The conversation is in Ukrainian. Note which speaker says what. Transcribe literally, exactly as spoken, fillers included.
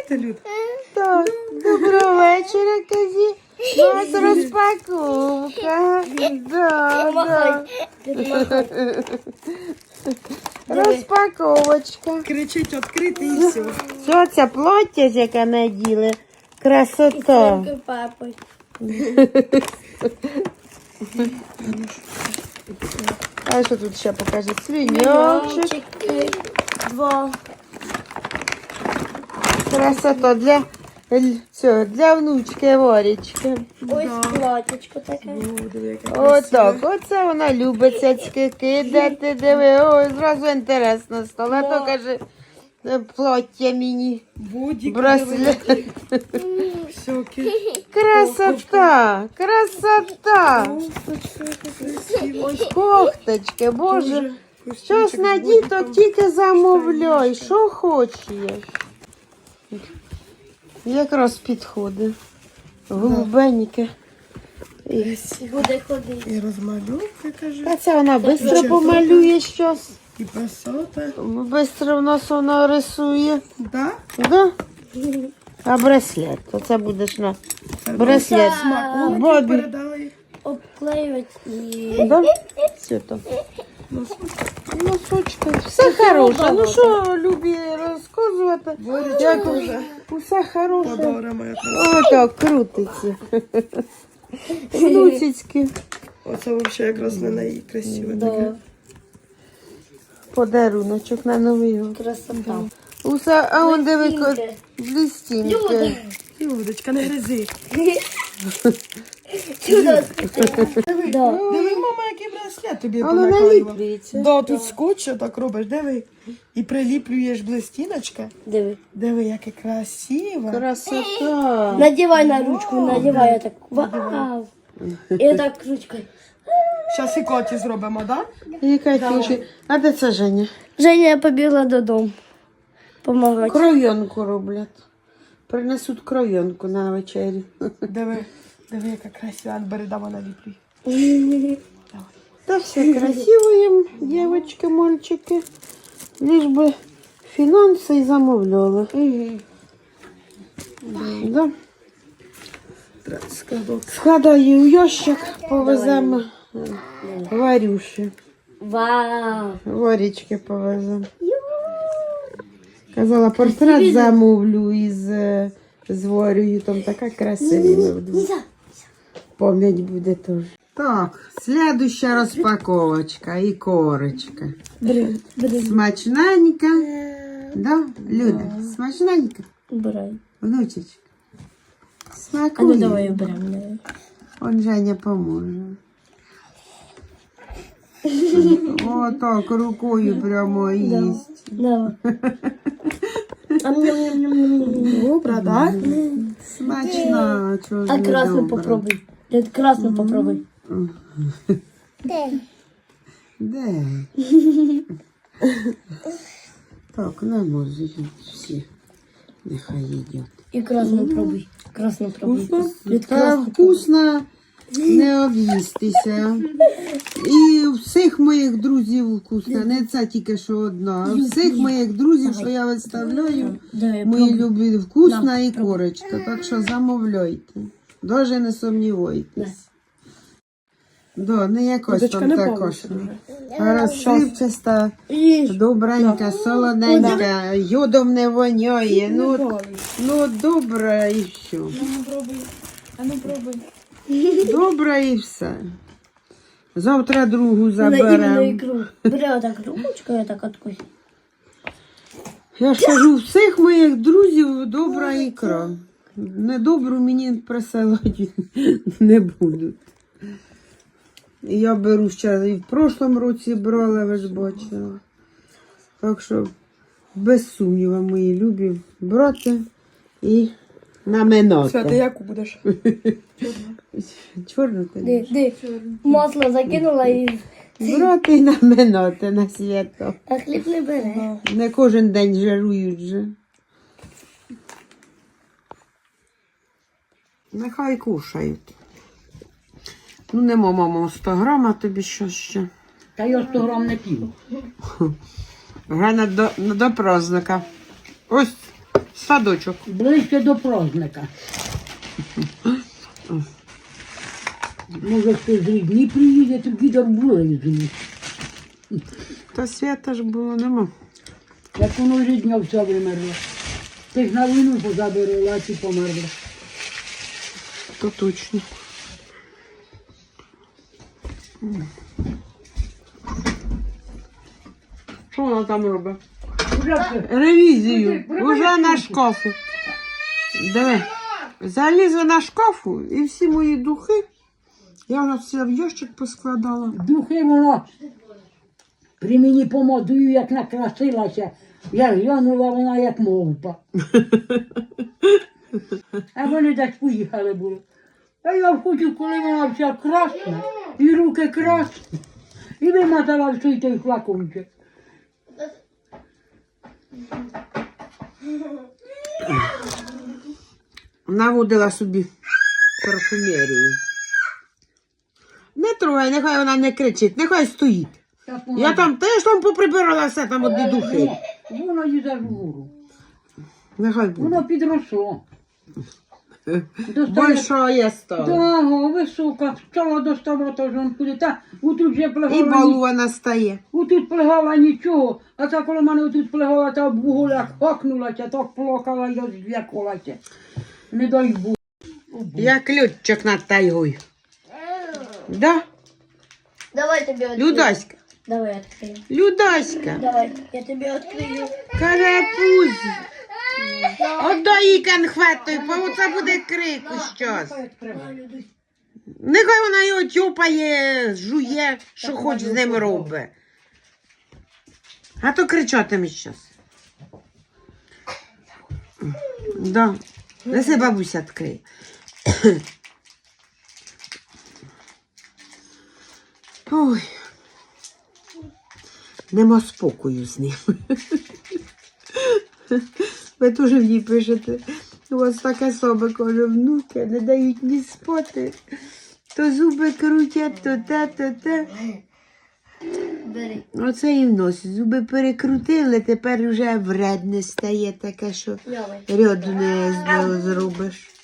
Speaker 1: Заходьте, Люд.
Speaker 2: Так, доброго вечора, кажі. У нас розпаковка. Да, да. Розпаковочка.
Speaker 1: Кричить відкрити і все.
Speaker 2: Що це плаття, яке наділи? Красота.
Speaker 3: Папой.
Speaker 2: А що тут ще покаже? Свиньочок.
Speaker 3: Два.
Speaker 2: Красота для, цього, для внучки Варічки.
Speaker 3: Ось платічко таке.
Speaker 2: Отак, оце вона любить цяцьки кидати, диви, ой, зразу інтересно стало. А то каже, плаття мені,
Speaker 1: Будік.
Speaker 2: браслет.
Speaker 1: Всякі.
Speaker 2: Красота, красота. Ось кофточки, боже. Щось на діток тільки замовляй, що хочеш. Якраз підходить. Голубеньке. І
Speaker 3: Буде ходити.
Speaker 1: І розмальовка, каже.
Speaker 2: Та це вона швидко помалює щось.
Speaker 1: І пасота.
Speaker 2: Швидко в нас вона рисує.
Speaker 1: Да?
Speaker 2: Да? А браслет? То це будеш на браслет.
Speaker 1: Смаколики
Speaker 2: Бобі.
Speaker 1: передали.
Speaker 3: Обклеювати і...
Speaker 2: Да? Все то. Носочки. Все хороше. Ну що, любі розказувати? Як
Speaker 1: Вже
Speaker 2: усе хороше.
Speaker 1: подаримо якраз.
Speaker 2: Отак крутиться. Штуцицьки.
Speaker 1: Оце взагалі якраз на неї красиве таке.
Speaker 2: Подаруночок на Новий год.
Speaker 3: Красота.
Speaker 2: Усе, а он диви,
Speaker 3: Блістінки.
Speaker 2: блістінки.
Speaker 1: Людочка, не гризи.
Speaker 3: Да.
Speaker 1: Диви, мама, який браслет тобі
Speaker 2: Воно
Speaker 1: понаклеїла.
Speaker 2: наліплюється.
Speaker 1: Да, тут скотч так робиш, диви. І приліплюєш блистіночка.
Speaker 3: Диви.
Speaker 1: Диви, яке красиво.
Speaker 2: Красота.
Speaker 3: Надівай на ручку, надівай, я так. Вау. І так ручкою.
Speaker 1: Зараз і коті зробимо, так?
Speaker 2: І Катюші. А де це Женя?
Speaker 3: Женя побігла додому. Помагати.
Speaker 2: Кров'янку роблять. Принесуть кров'янку на вечерю.
Speaker 1: Да? Диви, диви, яка красива. Бередава наліплюй.
Speaker 2: Та все красиво їм, дівчатки, мальчики. Лиш би фінанси і замовляли. Да. Складаю у ящик, повеземо Варюші.
Speaker 3: Вау.
Speaker 2: Варічки повеземо. Казала, портрет замовлю із, е, з Варею, там така красива. Пам'ять буде теж. Так, слідуща розпаковочка і корочка. Смачненька. Да, Люда, смачненька.
Speaker 3: Убирай.
Speaker 2: Внучечка.
Speaker 3: А ну
Speaker 2: Смакує.
Speaker 3: давай уберемо.
Speaker 2: Он Женя поможе. О, так, рукою прямо їсть.
Speaker 3: Давай. Ам-ням-ням-ням-ням.
Speaker 1: Добре, так?
Speaker 2: Смачно, чого ж
Speaker 3: А
Speaker 2: не
Speaker 3: красну
Speaker 2: добре.
Speaker 3: попробуй. Дед, красну попробуй.
Speaker 2: Де? Так, не можуть всі. Нехай їдять.
Speaker 3: І красну пробуй. Красну пробуй. Дед,
Speaker 2: Та
Speaker 3: красну
Speaker 2: вкусно не об'їстися. І у всіх моїх друзів вкусно. Не це тільки що одна. А у всіх моїх друзів, що я виставляю,
Speaker 3: Давай,
Speaker 2: мої
Speaker 3: пробуй.
Speaker 2: любі вкусна
Speaker 3: На,
Speaker 2: і
Speaker 3: пробуй.
Speaker 2: корочка. Так що замовляйте. Даже не сумнівайтесь. Да, не якось
Speaker 1: Людочка,
Speaker 2: там
Speaker 1: не
Speaker 2: також.
Speaker 1: балуйся дуже.
Speaker 2: А розсипчаста,
Speaker 3: Їж.
Speaker 2: добренька, солоненька, йодом не воняє. Ну, ну добре і все.
Speaker 1: А ну пробуй.
Speaker 2: Добре і все. Завтра другу
Speaker 3: Іменно
Speaker 2: заберемо.
Speaker 3: ікру. Бери отак ручкою, так откусь.
Speaker 2: Я ж кажу, всіх моїх друзів добра ікра. Недобру мені присилати не будуть. І я беру ще і в прошлому році брала, ви ж бачили. Так що, без сумніву, мої любі, брати і наминати.
Speaker 1: Все, ти яку будеш?
Speaker 2: Чорну ти?
Speaker 3: Ди, ди. Масло закинула і...
Speaker 2: Брати і наминати на свято.
Speaker 3: А хліб не бере.
Speaker 2: Не кожен день жарують же. Нехай кушають. Ну, нема, мамо, сто грам, а тобі що ще?
Speaker 4: Та я сто грам не пів.
Speaker 2: Грана до, до праздника. Ось садочок.
Speaker 4: Ближче до праздника. Може хтось з рідні приїде, то дідок були з
Speaker 2: Та свята ж було, нема.
Speaker 4: Як воно рідня вся вимерла. Ти ж на війну позабирала, а ці померли.
Speaker 2: То точно. Що вона там робить?
Speaker 4: Уже все.
Speaker 2: Ревізію.
Speaker 4: Куди?
Speaker 2: Уже на шкафу. Диви. Залізла на шкафу і всі мої духи. Я вже все в ящик поскладала.
Speaker 4: Духи воно при мені помадую, як накрасилася. Я глянула, вона як мовпа. А вони десь поїхали були. А я хочу, коли вона вся красна, і руки красні, і вимотала всій той флакончик.
Speaker 2: Наводила собі парфумерію. Не трогай, нехай вона не кричить, нехай стоїть.
Speaker 4: Так
Speaker 2: Я
Speaker 4: вона-
Speaker 2: там теж там поприбирала все, там одні духи.
Speaker 4: Воно їде вгору.
Speaker 2: Нехай буде.
Speaker 4: Воно підросло.
Speaker 2: Большая стала.
Speaker 4: Да, висока, стала доставати жонку. Та отут вже
Speaker 2: І
Speaker 4: плегала,
Speaker 2: балувана стає.
Speaker 4: отут плегала нічого, а та коли мене отут плегала, та в гуляк хакнулася, так плакала, я зв'якалася. Не дай Бог.
Speaker 2: Як льотчик над тайгою. Да?
Speaker 3: Давай тебе открою.
Speaker 2: Людаська.
Speaker 3: Давай открою.
Speaker 2: Людаська.
Speaker 3: Давай, я тебе открою.
Speaker 2: Карапузь. Отдай їй конфетою, бо оце буде крику щось. Нехай вона його тьопає, жує, що хоч з ним робить. А то кричатиме щас. Да. Неси бабуся відкриє. Ой. Нема спокою з ним. Ви теж мені пишете. У вас таке саме, каже, внуки, не дають ні спати. То зуби крутять, то те, то те.
Speaker 3: Бери.
Speaker 2: Оце і в нос. Зуби перекрутили, тепер вже вредне стає таке, що
Speaker 3: Давай.
Speaker 2: ряду не з- зробиш.